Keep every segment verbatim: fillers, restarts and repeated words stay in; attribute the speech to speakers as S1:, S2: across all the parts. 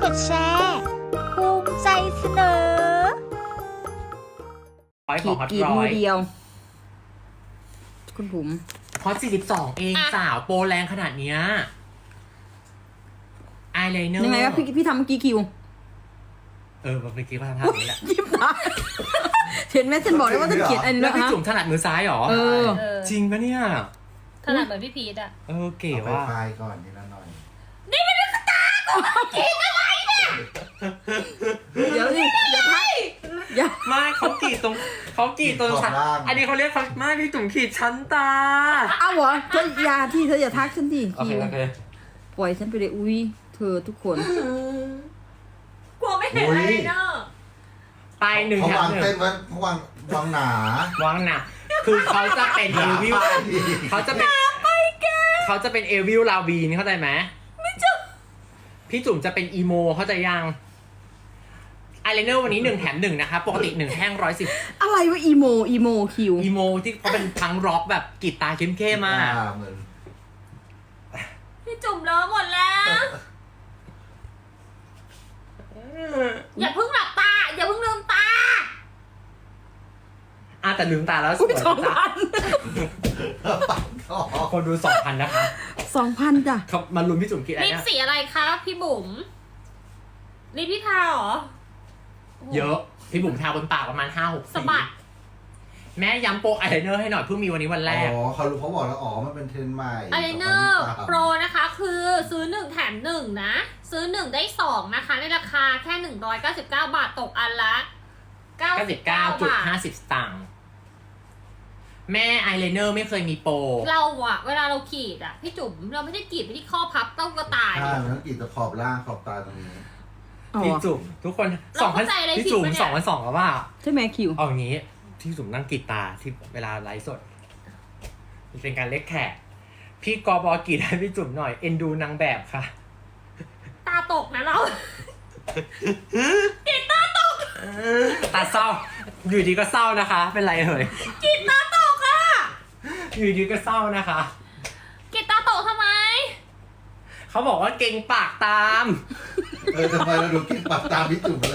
S1: ดแชร์ภูมิใจเสนอ
S2: ร้อยของฮอต
S3: กีด
S2: ร้อ
S3: มือย เดียว คุณผม
S2: ฮอตสี่สิบสองเองสาวโปรแรงขนาดเนี้ยอายไลเนอร์
S3: ยังไงวะพี่พี่ทำเมื่อกี้คิว
S2: เออเมื่อกี้ว่าทำท่านี้แหละ
S3: ยิ้มตาเห็นไหมฉันบอกแล้วว่าจะเขียนอันนี้
S2: แล้วพี่
S3: ฮะ
S2: จุ๋มถนัดมือซ้ายหรอ
S3: เออ
S2: จริงปะเนี่ย
S4: ถนัดเหมือนพี่พีทอ่ะ
S2: เออเก๋
S5: เอาไป
S2: ว่ะ
S5: ไฟก่อนทีละหน่อย
S4: นี่มันเป็นสตาร์กูกินอะไรเนี่ย
S3: เดี๋ยวสิอย่าทักอย่า
S2: ไม่เขากรีดตรงเขากรีดตรงชั้นอันนี้เขาเรียกเขาไม่พี่จุ๋มขีดชั้นตา
S3: เอาเหรอเธออยาที่เธออย่าทักฉันดิ
S2: โอเค
S3: คิว
S2: โอเค
S3: ปล่อยฉันไปเลยอุ้ยเธอทุกคน
S4: กลัวไม่เห็นอะไรเนาะ
S2: ไปหนึ่ง
S5: เขา
S2: แถม
S5: วาง
S2: หนึ่ง
S5: เต้นไว้เขาวางวางหนาว
S2: างหนักคือเขาจะเป็นเอวิลเขาจะเป็นเขาจะเป็นเอวิลลาวีนเข้าใจไหมไม่จุพี่จุ๋มจะเป็นอีโมเข้าใจยังอายไลเนอร์วันนี้หนึ่งแถมหนึ่งนะคะปกติหนึ่งแท่งร้อยสิบ
S3: อะไรวะอีโมอีโมคิว
S2: อีโมที่เขาเป็นพังร็อกแบบกรีดตาเข้มๆมา
S5: อ่าเหมือน
S4: พี่จุ่มเลอะหมดแล้วอย่าเพิ่งหลับตาอย่าเพิ่งลืมตา
S2: อ่ะแต่ลืมตาแล้วส
S3: อุ้
S2: วย ย
S3: สอง
S2: นะ
S3: พัน
S2: คนดูสองพันนะคะ
S3: สองพันจ้ะ
S2: เขามาลุ้นพี่จุ๋มกรีดอะไร
S4: ลิป
S2: เนี่ย
S4: สีอะไรคะพี่บุ๋มลิปพี่ทาเหรอ
S2: เยอะพี่บุ๋มทาบนปากประมาณห้าหกสี
S4: สะบัด
S2: แม่ย้ำโปรอายไลเนอร์ให้หน่อยเพิ่งมีวันนี้วันแรก
S5: อ๋อเขารู้เขาบอกแล้วอ๋อมันเป็นเทรนด์ใหม่
S4: อายไลเนอร์
S5: สองพันยี่สิบสาม
S4: โปรนะคะคือซื้อหนึ่งแถมหนึ่งนะ ซื้อหนึ่งได้สองนะคะ ในราคาแค่หนึ่งร้อยเก้าสิบเก้าบาทตกอันละเก้า
S2: เก้า
S4: สิ
S2: สิ
S4: บบ เก้า
S2: เก้าจุด
S4: บาท
S2: ห้าสิบสตางค์แม่อายไลเนอร์ไม่เคยมีโปร
S4: เราอะเวลาเราขีดอะพี่จุ๋มเราไม่ได้ขีดไปที่ข้อพับเต้ากระต่าย
S5: ใช่มันต้องกรีดตะขอบล่างขอบตาตรงนี้
S3: อ๋อ
S2: พี่จุ๋มทุกคน
S4: เรา
S2: สองพัน
S4: เข้าใจอะไร
S2: พี่
S4: ผิด
S2: จุ๋ม
S4: ปะเนี่ย
S2: สองพันสองแล้วว่า
S3: ใช่ไหมคิว
S2: เอาอย่างนี้พี่จุ๋มนั่งกรีดตาที่เวลาไลฟ์สดมันเป็นการเล็กแขกพี่กอบอกรีดให้พี่จุ๋มหน่อยเอ็นดูนางแบบค่ะ
S4: ตาตกนะเรา
S2: ตาเศร้าอยู่ดีก็เศร้านะคะ เป็นไรเอ่ย
S4: กินตาตกอะ
S2: อยู่ดีก็เศร้านะคะ
S4: กินตาตกทำไม
S2: เขาบอกว่าเก่งปากตาม
S5: เออทำไมเราดูกินปากตามพี่จุ๋มเลย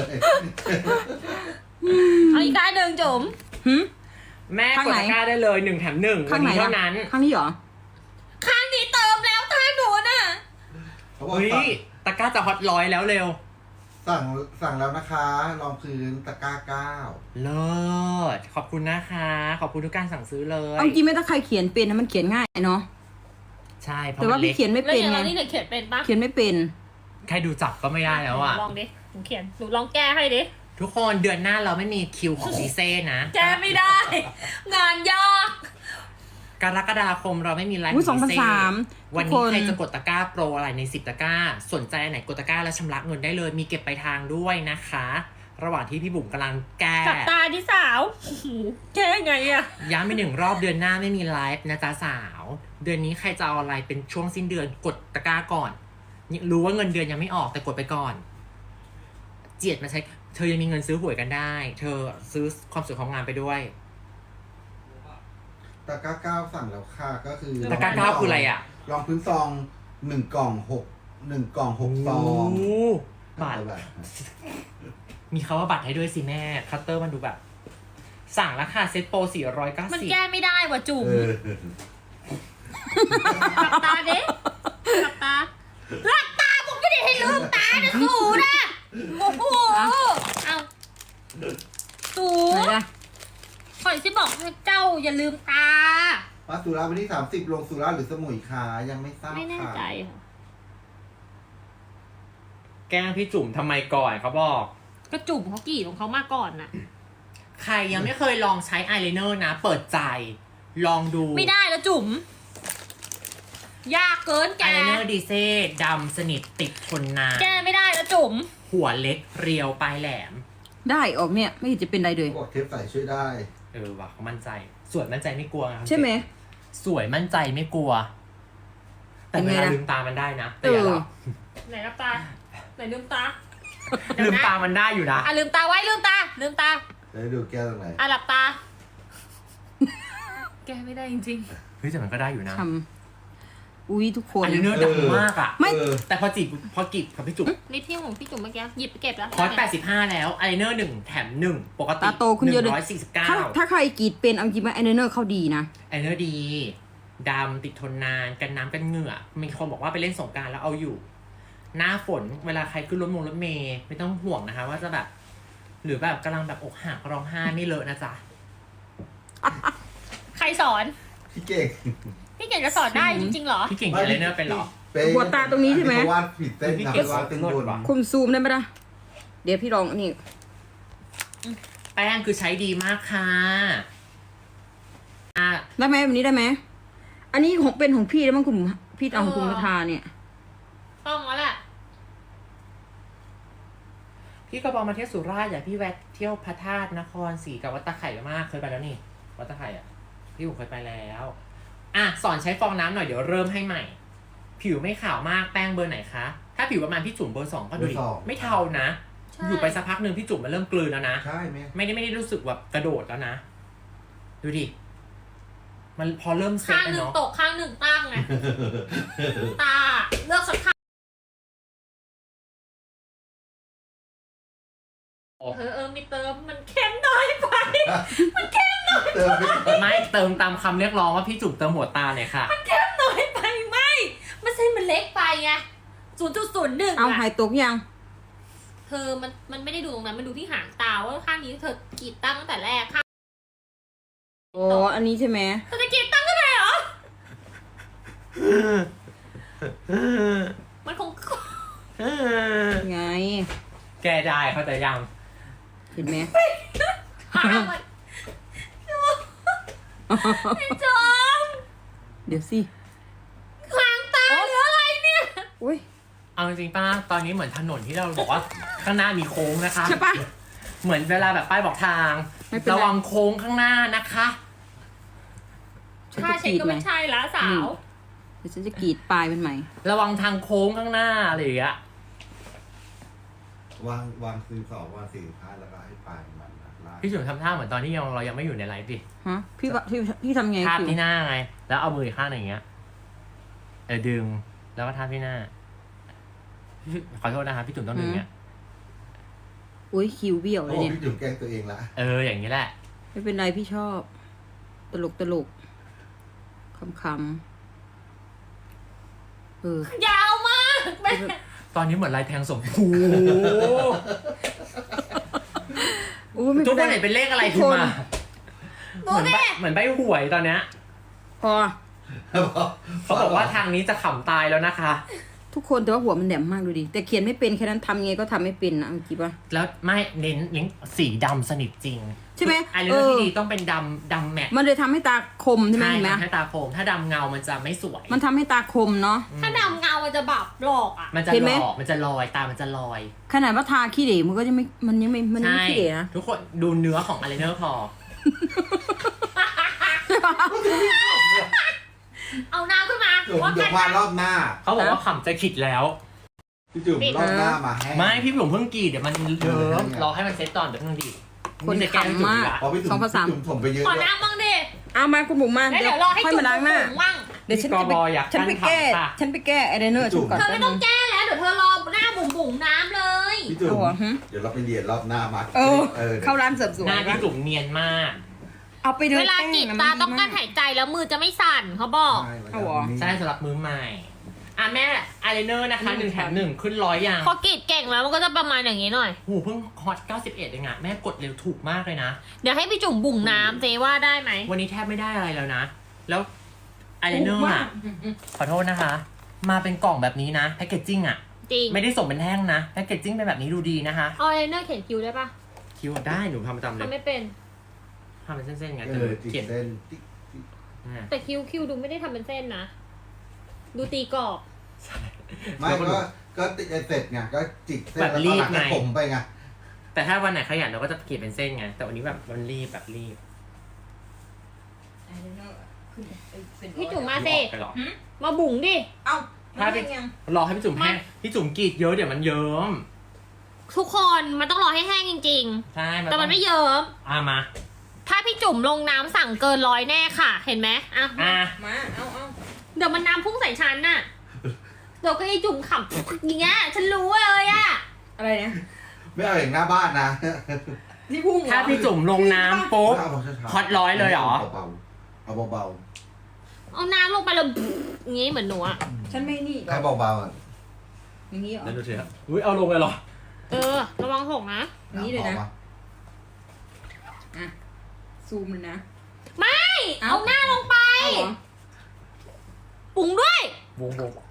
S4: เอาอีกการหนึ่งจุ๋ม
S3: หึ
S2: แม่
S3: ข้าง
S2: กด
S3: ไหน
S2: ตะกร้าได้เลยหนึ่งแถมหนึ่งวั
S3: ข้านงไหน
S2: นี้
S3: ล่ะ
S2: เท่านั้น
S3: ข้างนี้เหรอ
S4: ข้างนี้เติมแล้วท่าหนูน่ะ
S5: เขาบอก
S2: เฮ้ย
S5: สั่ง
S2: ตะกร้าจะฮอตร้อยแล้วเร็ว
S5: สั่งสั่งแล้วนะคะรองพื้นตะกร้าเก้า
S2: เลิศขอบคุณนะคะ ขอบคุณทุกการสั่งซื้อเลย
S3: เอาจริงไม่ต้องใครเขียนเป็นนะมันเขียนง่ายเนาะ
S2: ใช่เพราะ
S3: แต่
S2: มั
S3: ว่าน
S2: เล็
S3: พี่
S2: ก
S3: เขียนไม่
S4: แล้ว
S3: เป็น
S4: อย่าง
S3: ไง
S4: เรานี่เนี่ยเขียนเป็นปะ
S3: เขียนไม่เป็น
S2: ใครดูจับก็ไม่ได้แล้วอ่ะ
S4: ลองดิหนูเขียนหนูลองแก้ให้ดิ
S2: ทุกคนเดือนหน้าเราไม่มีคิวของซีเซ่นะ
S4: แก้ไม่ได้ งานยาก
S2: กรกฎาคมเราไม่มีไลฟ์
S3: อุ้ย
S2: ข
S3: ส
S2: อ
S3: อง งพัน
S2: ซี
S3: สาม
S2: วัน
S3: ทุก
S2: นี้
S3: คน
S2: ใครจะกดตะกร้าโปรอะไรในสิบตะกร้า สนใจอันไหนกดตะกร้าแล้วชำระเงินได้เลย มีเก็บไปลายทางด้วยนะคะ ระหว่างที่พี่บุ๋มกำลังแก้
S4: กับตาที่สาวโอ้โหแก้ไงอะ
S2: ย้ำไปหนึ่งรอบเดือนหน้าไม่มีไลฟ์นะจ๊ะสาว เดือนนี้ใครจะเอาอะไรเป็นช่วงสิ้นเดือนกดตะกร้าก่อน รู้ว่าเงินเดือนยังไม่ออกแต่กดไปก่อน เจียดมาใช้ เธอยังมีเงินซื้อหวยกันได้ เธอซื้อความสวยของงานไปด้วย
S5: ตะกร้าเก้าสั่งแล้วค่ะก็คือ
S2: ตะกร้าเก้าคืออะไรอ่ะ
S5: รองพื้นซองหนึ่งกล่องหกหนึ่งกล่องหกซอง
S2: โอ้บาท
S5: เท่าไหร่
S2: มีคาว่าบัตรให้ด้วยสิแม่ คัตเตอร์มันดูแบบ สั่งราคาเซ็ตโปรสี่ร้อยเก้า
S4: มัน
S2: สิบ
S4: แก้ไม่ได้ว่ะจุ๋ม
S5: เออ
S4: หลับตาดิหลับตาหลับตาผมไม่ได้ให้ลืมตานะสูนะโอ้โหเอาสู
S3: ไหนล่ะ
S4: ข่อยที่บอกให้เจ้าอย่าลืมตา
S5: มาสุราวันที่สามสิบลงสุราหรือสมุยคะยังไม่ทราบ
S4: ไม่แน่
S5: ค่ะ
S4: ใจค่ะ
S2: แกล้งพี่จุ๋มทำไมก่อนเขาบอก
S4: ก็จุ่มเขากรีดของเขามาก่อนน่ะ
S2: ใครยังไม่เคยลองใช้อายไลเนอร์นะ เปิดใจ ลองดู
S4: ไม่ได้แล้วจุ๋มยากเกินแก
S2: อายไลเนอร์ดีเซ่ดำสนิทติดทนนาน
S4: แกไม่ได้แล้วจุ๋ม
S2: หัวเล็กเรียวปลายแหลม
S3: ได้ออกเนี่ยไม่เห็นจะเป็นไรเลย
S5: เขาบอกเทปใส่ช่วยได้
S2: เออว่ะเขามั่นใจ สวยมั่นใจไม่กลัวครับ
S3: ใช่ไหม
S2: สวยมั่นใจไม่กลัว แต่เว
S3: เป็นไง
S2: ลา
S3: ล่ะ
S2: ลืมตามันได้นะแต่อย่าหลับ
S4: ไหนรับตาไหนลืมตา
S2: ลืมตามันได้อยู่นะ
S4: อ่ะลืมตาไว้ลืมตาลืมตา
S5: แล้วดูแก้วตรงไหน
S4: อ่ะหลับตา แกไม่ได้จริง
S2: เฮ้ยแต่มันก็ได้อยู่นะ
S3: ทำอุ้ยทุกคน
S2: อายไลเนอร์ดังมากอ่ะ
S3: ไม่
S5: เออ
S2: แต่พอจีบพอกีบกับพี่จุ๋ม
S4: ลิปที่ของพี่จุ๋มเมื่อกี้หยิบไปเก็บแล้ว
S2: คอร์สแปดสิบห้าแล้วอายไลเนอร์หนึ่งแถมหนึ่งปกติ
S3: ตาโตขึ้นเยอะเลย
S2: ร้อยสี่สิบเก้า
S3: ถ้าถ้าใครกรีดเป็นเอาจริงไหมไอเนอร์เขาดีนะ
S2: อายไลเนอร์ดีดำติดทนนานกันน้ำกันเหงื่อมีคนบอกว่าไปเล่นสงกรานต์แล้วเอาอยู่ หน้าฝนเวลาใครขึ้นรถมงรถเมย์ไม่ต้องห่วงนะคะ ว่าจะแบบ หรือแบบกำลังแบบอกหักร้องไห้ไม่เลอะนะจ๊ะ
S4: ใครสอน
S5: พี่เก่ง
S4: พี่เก่งจะสอนได้จริงๆเหรอ
S2: พี่เก่งอายไลเนอร์เป็นเหรอ
S3: หัวตาตรงนี้ใช่ไหม
S5: เขาวาดผิดเส้น
S2: พี่
S5: นะ
S2: เก่ง
S5: เขาวาดเส้นบน
S2: ว่ะ
S3: คุณซูมได้ไหมล่ะเดี๋ยวพี่ลองอันนี้
S2: แป้งคือใช้ดีมากค่ะอ่ะ
S3: ได้ไหมแบบนี้ได้ไหมอันนี้ของเป็นของพี่แล้วมั้งคุณพี่เอาของคุณมาทาเนี่ย
S4: ต้องแล้วแหละ
S2: พี่ก็บอกมาเที่ยวสุราษฎร์อย่าพี่แวะเที่ยวพระธาตุนครศรีกับวัดตะไคร่มากเคยไปแล้วนี่วัดตะไคร่อ่ะพี่ผมเคยไปแล้วอ่ะสอนใช้ฟองน้ำหน่อยเดี๋ยวเริ่มให้ใหม่ ผิวไม่ขาวมากแป้งเบอร์ไหนคะถ้าผิวประมาณพี่จุ๋มเบอร์สองก็ดูดิไม่เทานะ
S4: ใช่
S2: อยู่ไปสักพักหนึ่งพี่จุ๋มมันเริ่มกลืนแล้วนะ
S5: ใช่ไหม
S2: ไม่ได้ไม่ได้รู้สึกแบบกระโดดแล้วนะ ดูดิ มันพอเริ่มเซ็ต
S4: ข้าง
S2: แล้ว
S4: หนึ่ง
S2: เนาะ
S4: ตกข้างหนึ่งตั้งไง ตาเลือกสักข้างเออเออไม่เติมมันเข้มน้อยไป
S5: เติมไปก่อน
S2: ไม่เติมตามคำเรียกร้องว่าพี่จุ๋มเติมหัวตาเลยค่ะ
S4: เข้มน้อยไปไม่มันเส้นมันเล็กไปไงศูนย์จุดศูนย์หนึ่ง
S3: เอาหายตกยัง
S4: เธอมันมันไม่ได้ดูตรงนั้นมันดูที่หางตาว่าข้างนี้เธอกรีดตั้งตั้งแต่แรกข้าง
S3: อ๋ออันนี้ใช่ไหม
S4: เธอจะกรีดตั้งก็ได้เหรอมันคง
S3: ไง
S2: แกได้เข้าใจยัง
S3: เห็นไหม
S4: หามันพี่จอม
S3: เดี๋ยวสิ
S4: หางตาหรืออะไรเนี่ย
S3: อุ้ย
S2: เอาจริงๆป้าตอนนี้เหมือนถนนที่เราบอกว่าข้างหน้ามีโค้งนะคะ
S3: ใช่ปะ
S2: เหมือนเวลาแบบป้ายบอกทาง
S3: ไม่เป็นไร
S2: ระวังโค้งข้างหน้านะคะ
S3: ฉัน
S4: ถ้า
S3: จะ
S4: เช็
S3: ก
S4: ค
S3: รีด
S4: ก็
S3: ไหม
S4: ไม่ใช่ละสาว
S3: เดี๋ยวฉันจะกรีดปลายเป็นไหม
S2: ระวังทางโค้งข้างหน้าอะไรอย่างเงี้ยว
S5: างวางซื้อสองวางสี่พาดแล้วก็ให้ปลายมันนะลาก
S2: พี่จุ๋มทำท่าเหมือนตอนที่ยังเรายังไม่อยู่ในไลฟ์ดิ
S3: ฮะพี่ว่าพี่พี่ทำไง
S2: ทาบ
S3: คิว
S2: ที่หน้าไง แล้วเอามืออีกข้างหนึ่งอย่างเงี้ย เออดึง แล้วก็ทาบที่หน้า ขอโทษนะคะพี่จุ๋มต้องดึงเงี้ย
S3: อุ้ยคิวเบี้ยวเล
S5: โอ้
S3: ยเนี่ย
S5: พี่จุ๋มแกล้งตัวเองละ
S2: เอออย่างนี้แหละ
S3: ไม่เป็นไรพี่ชอบ ตลกตลกคำคำเออย
S4: าวมากแม่
S2: ตอนนี้เหมือนลายแทงสมพู
S3: อู้ไม่
S2: ทุ
S3: เป็
S2: ก
S3: น
S2: คน
S3: ไร
S2: เห็นเป็นเลขอะไร
S3: ทุ
S2: ขึ้
S3: ก
S2: น
S3: คน
S2: มา เหมือนใบเหมือนใบหวยตอนเนี้ย
S3: พอ
S2: เขาบอกว่าทางนี้จะขำตายแล้วนะคะ
S3: ทุกคนแต่ว่าหัวมันแหลมมากดูดิแต่เขียนไม่เป็นแค่นั้นทำไงก็ทำไม่เป็นนะเอาจริงปะ
S2: แล้วไม่เน้นเน้นสีดำสนิทจริง
S3: ใช่ไหม
S2: ไอเล
S3: เอ
S2: อร์
S3: อ
S2: ที่ดีต้องเป็นดำดำแมท
S3: มันเลยทำให้ตาคมใช่ไหม
S2: ใช่
S3: เห็นไหม
S2: ทำให้ตาโคมถ้าดำเงามันจะไม่สวย
S3: มันทำให้ตาคมเนาะ
S4: ถ้าดำเงามันจะแบบหลอกอ่ะ
S2: มันจะ
S3: เห็น
S2: ห
S3: ไหม
S2: ลอกมันจะลอยตามันจะลอย
S3: ขนาดว่าทาขี้เหร่มันก็ยังไม่มันยังไม่มันยัง
S2: ใช่
S3: ไม่ขี้เหร่นะ
S2: ทุกคนดูเนื้อของอายไลเนอร์พอ
S4: เอาน้ำขึ้นมา
S5: จุ๋ม
S4: ว่า
S5: เดี๋ย
S4: กั
S5: วน มารอบหน้า
S2: เขาบอกว่าขำจะขิดแล้ว
S5: พี่จุ๋มรอบหน้ามาแห้ง
S2: ไม่พี่ผมเพิ่งกรีดเดี๋ยวมันเยิ้ม
S5: เออ
S2: รอให้มันเซ็ตตอนเดี๋ยวนึงดิ
S3: คน
S2: จะแกล้งจุ๋
S3: ขำมาก
S2: ละ
S5: พอพี่จุ๋
S3: สอ
S5: ม
S3: งภาษา
S5: พี่จุ๋มถมไปเยอะ
S4: ขอ
S5: ด้วย
S4: น้ำบ้างดิ
S3: เอามาคุณบุ๋มมา
S4: แล้วเดี๋ยวรอให้
S3: ค่อย
S4: จุ่ม
S3: มาล้างหน้า
S4: บุ๋มมั่ง
S3: เดี๋ยวฉัน
S2: พี่
S3: จะ
S2: ก
S3: ไป
S2: บอยาก
S3: ฉันไปแก้
S2: ค่ะ
S3: ฉันไปแก้ไอเดนเนอร์ฉันก่อน
S4: เธอไม่ต้องแก้แล้วเดี๋ยวเธอรอหน้าบุ๋มบุ๋มน้ำเลย
S5: พี่จุ๋ม
S3: เอาเหรอหึ
S5: เดี๋ยวเราไปเรียนรอบหน้ามา
S3: เออ
S5: เออ
S3: เข้าร้านเสริมสวย
S2: หน้าพี่
S3: ปะ
S2: จุ๋มเนียนมาก
S3: เอาไปเลย
S4: เวลากรีดตาต้องการหายใจแล้วมือจะไม่สั่นเขาบอก
S5: ใช่
S3: เอาเหรอ
S2: ใช่สำหรับมือใหม่ อ่ะแม่อายไลเนอร์นะคะหนึ่งแถมหนึ่งขึ้นร้อยอย่าง
S4: พอกรีดเก่งแล้วมันก็จะประมาณอย่างนี้หน่อย
S2: หูเพิ่งฮอตเก้าสิบเอ็ดเองอะแม่กดเร็วถูกมากเลยนะ
S4: เดี๋ยวให้พี่จุ่มบุ๋งน้ำเจว่าได้ไหม
S2: วันนี้แทบไม่ได้อะไรแล้วนะ แล้วอายไลเนอร์อะขอโทษนะคะ มาเป็นกล่องแบบนี้นะแพคเกจจิ้งอะ
S4: จริง
S2: ไม่ได้ส่งเป็นแท่งนะแพคเกจจิ้งเป็นแบบนี้ดูดีนะคะ
S4: เอาไอลายเนอร์เขียนคิ้วได้ปะ
S2: คิวได้หนูทำประจำเลย
S4: ทำไม่เป็น
S2: ทำเป็นเส้นๆไง
S5: เอ
S2: แต่
S5: อจิก
S2: เขียน
S5: เส้นติ๊กติ๊ก
S2: อ่า
S4: แต่คิ้วคิ้วดูไม่ได้ทำเป็นเส้นนะ ดูตีกรอบ
S5: ไม่ก็ก็ติดเสร็จไงก็จิกเส้น
S2: แบบ
S5: แล้ว
S2: รี
S5: ก็
S2: บ
S5: หลัง
S2: ไง
S5: ก็ผมไปไง
S2: แต่ถ้าวันไหนขยันเราก็จะเขียนเป็นเส้นไง แต่วันนี้แบบมันรีบแบบรีบ
S4: พี่จุ๋มมาสิ
S2: ออกไปหรอ
S4: มาบุ๋งดิ
S3: เอา
S2: ถ้าเป็น รอให้พี่จุ๋มแห้งพี่จุ๋มกรีดเยอะเดี๋ยวมันเยิ้ม
S4: ทุกคนมันต้องรอให้แห้งจริง
S2: ใช่
S4: ๆ แต่มันไม่เยิ้ม
S2: อ่ะมา
S4: ถ้าพี่จุ๋มลงน้ำสั่งเกินร้อยแน่ค่ะ เห็นไหมอ่ะ
S2: อ่ะ
S3: มาเอาเอา
S4: ดเดี๋ยวมันน้ำพุ่งใส่ฉันน่ะเดี๋ยวก็ไอ้จุ่มขำอย่างเงี้ยฉันรู้เลยอะ
S3: อะไรนะ
S5: ไม่เอาอย่างหน้าบ้านนะ
S3: ที่พุ่งเหรอ
S2: ถ้าพี่จุ่มลงน้ำปุ๊บ
S5: เอาช้าๆ
S2: ฮอตร้อยเลยเหรอ
S5: เบาๆเอาเบา
S4: เอาน้ำลงไปแล้วอย่างงี้เหมือนหนูอะ
S3: ฉันไม่นี่
S5: ๆให้เบาๆอ่ะ
S3: อย่างนี้เหรอ
S2: นั่นดูสิครับอุ้ยเอาลงเลยเหรอ
S4: เออระวังหกนะ
S3: อย่างนี้เลยนะ
S5: อา
S3: อ่ะซูมเลยนะ
S4: ไม่
S3: เอ้า
S4: เอาหน้าลงไป
S3: เอาเหรอ
S4: ปรุงด้วย
S2: วงวง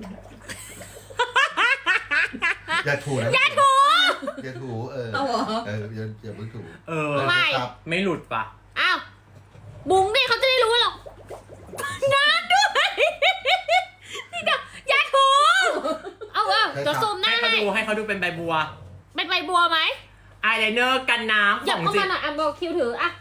S5: อย่าถูนะ
S4: อย่าถู
S5: อย่าถูเออ
S3: เอาเหรอ
S5: เอออย่าอย่าเพิ่งถู
S2: เออ
S4: ไม่
S5: ครับ
S2: ไม่หลุดปะ
S4: อ้าวบุ้งดิเขาจะได้รู้หรอกน้ำด้วยนี่เดี๋ยวอย่าถูเอาเออเดี๋ยวซูมห
S2: ให้
S4: น้า
S2: เขา
S4: ให้
S2: ดูให้เขาดูเป็นใบบัว
S4: เป็นใบบัวไหม
S2: อายไลเนอร์กันน้ำ
S4: หยั
S2: ข
S4: บ
S2: อง
S4: เข้า
S2: จริ
S4: มาง หน่อยอ่ะบอกคิวถืออ่ะ